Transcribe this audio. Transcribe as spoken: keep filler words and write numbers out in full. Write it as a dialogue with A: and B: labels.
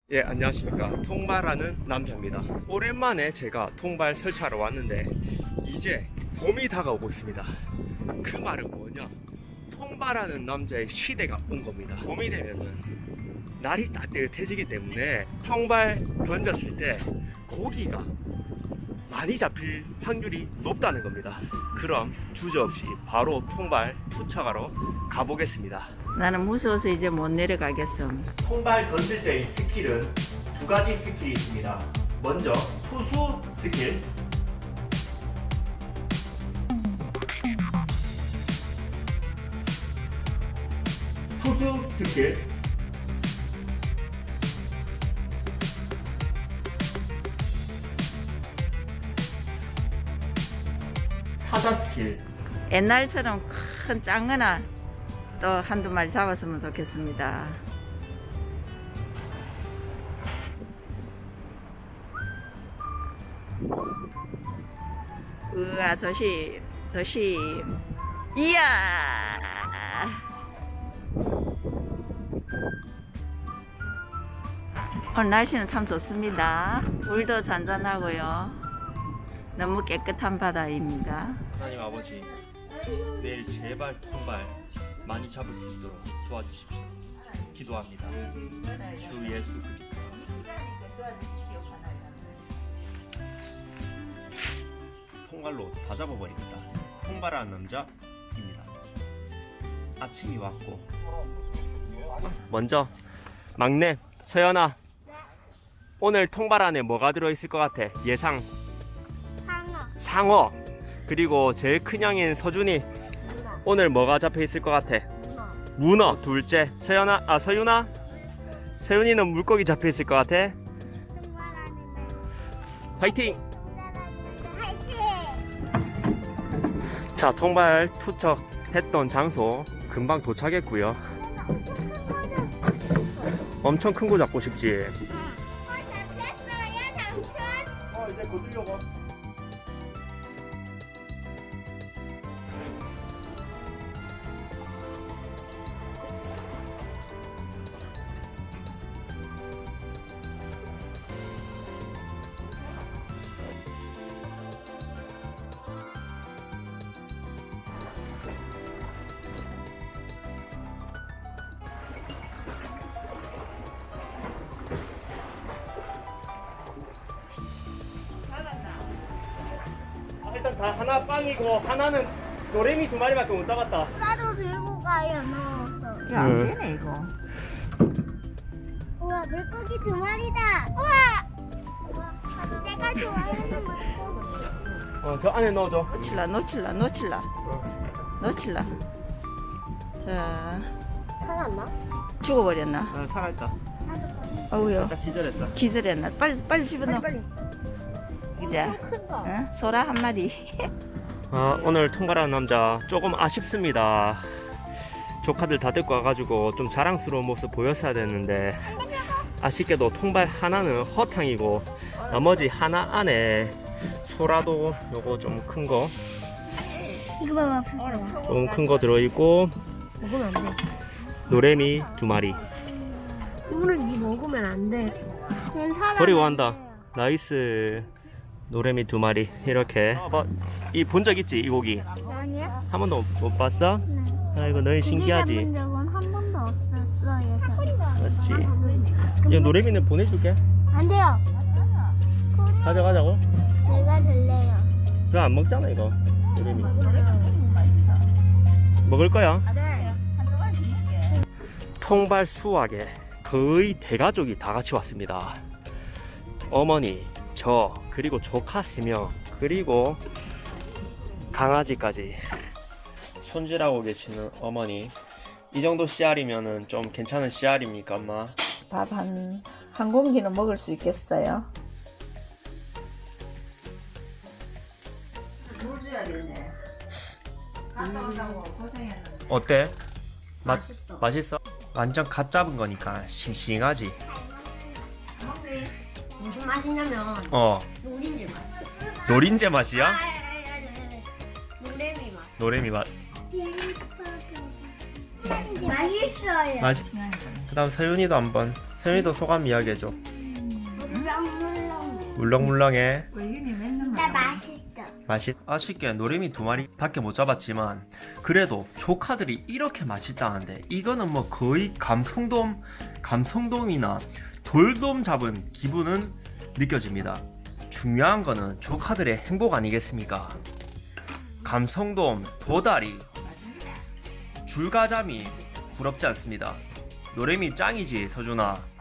A: 예, 안녕하십니까. 통발하는 남자입니다. 오랜만에 제가 통발 설치하러 왔는데 이제 봄이 다가오고 있습니다. 그 말은 뭐냐? 통발하는 남자의 시대가 온 겁니다. 봄이 되면은 날이 따뜻해지기 때문에 통발 던졌을 때 고기가 많이 잡힐 확률이 높다는 겁니다. 그럼 주저없이 바로 통발 투척하러 가보겠습니다.
B: 나는 무서워서 이제 못 내려가겠어.
A: 통발 던질 때의 스킬은 두 가지 스킬이 있습니다. 먼저 투수 스킬, 투수 스킬, 타자 스킬.
B: 옛날처럼 큰 짱거나 또 한두 마리 잡았으면 좋겠습니다. 으아, 조심, 조심. 이야! 오늘 날씨는 참 좋습니다. 물도 잔잔하고요. 너무 깨끗한 바다입니다.
A: 하나님 아버지, 내일 제발 통발 많이 잡을 수 있도록 도와주십시오. 기도합니다. 주 예수 그리스도. 통발로 다 잡아버리겠다. 통발하는 남자입니다. 아침이 왔고, 먼저 막내 서연아, 오늘 통발 안에 뭐가 들어있을 것 같아? 예상.
C: 상어.
A: 상어. 그리고 제일 큰 형인 서준이,
C: 문어.
A: 오늘 뭐가 잡혀 있을 것 같아?
C: 문어.
A: 문어. 둘째 서연아, 아 서윤아, 서윤이는 물고기 잡혀 있을 것 같아. 화이팅!
C: 화이팅!
A: 자, 통발 투척했던 장소 금방 도착했고요. 엄청 큰 거 잡고 싶지?
C: 어, 잡혔어요, 삼촌.
A: 어, 이제 곧 들려고. 일단 다 하나 빵이고 하나는 노래미 두 마리밖에 못 잡았다.
C: 나도 들고 가요, 넣어서.
B: 이거 안
A: 네.
B: 되네, 이거.
C: 우와, 물고기 두 마리다. 우와! 우와, 내가 좋아하는 물고기.
A: 어, 저 안에 넣어줘.
B: 놓칠라, 놓칠라, 놓칠라.
A: 어.
B: 놓칠라. 자,
C: 살았나?
B: 죽어버렸나?
A: 아, 살아있다.
B: 어우요,
A: 딱 기절했다.
B: 기절했나? 빨리, 빨리 집어넣어.
C: 빨리.
B: 이제,
C: 큰 거.
B: 응? 소라 한 마리.
A: 아, 오늘 통발하는 남자 조금 아쉽습니다. 조카들 다 데리고 와가지고 좀 자랑스러운 모습 보였어야 됐는데 아쉽게도 통발 하나는 허탕이고 나머지 하나 안에 소라도 요거 좀 큰 거,
C: 이거 봐봐.
A: 조금 큰 거 들어있고
C: 먹으면 안 돼.
A: 노래미 두 마리.
C: 이거는 니 먹으면 안 돼. 그냥 살아.
A: 버리고 간다. 나이스. 노래미 두 마리 이렇게. 이 본 적 있지, 이 고기?
C: 아니야?
A: 한 번도 못 봤어?
C: 네.
A: 아이고 너희 신기하지.
C: 잡은 적은 한 번도 없었어요.
A: 맞지. 이 노래미는 보내줄게.
C: 안 돼요.
A: 가져가자고.
C: 제가 들래요.
A: 그럼 안 먹잖아 이거. 노래미. 먹을 거야. 통발 수확에 거의 대가족이 다 같이 왔습니다. 어머니, 저, 그리고 조카 세 명, 그리고 강아지까지 손질하고 계시는 어머니. 이 정도 씨알이면은 좀 괜찮은 씨알입니까, 엄마?
B: 밥 한, 한 공기는 먹을 수 있겠어요? 물 줘야 되네. 갔다 온다고 고생했는데.
A: 어때? 맛,
B: 맛있어.
A: 맛있어? 완전 갓 잡은 거니까 싱싱하지?
B: 먹니?
C: 무슨 맛이냐면
A: 어,
C: 노린지 맛.
A: 노린재 맛이야?
C: 노래미 맛.
A: 노래미 맛.
C: 맛있어요.
A: 맛있. 그다음 서윤이도 한번. 세미도 소감 이야기해줘.
C: 물렁물렁.
A: 물렁물렁해.
C: 나 맛있어.
A: 맛있. 아쉽게 노래미 두 마리 밖에 못 잡았지만 그래도 조카들이 이렇게 맛있다는데 이거는 뭐 거의 감성돔 감성돔이나 돌돔 잡은 기분은 느껴집니다. 중요한 거는 조카들의 행복 아니겠습니까? 감성돔, 도다리, 줄가자미 부럽지 않습니다. 노래미 짱이지 서준아.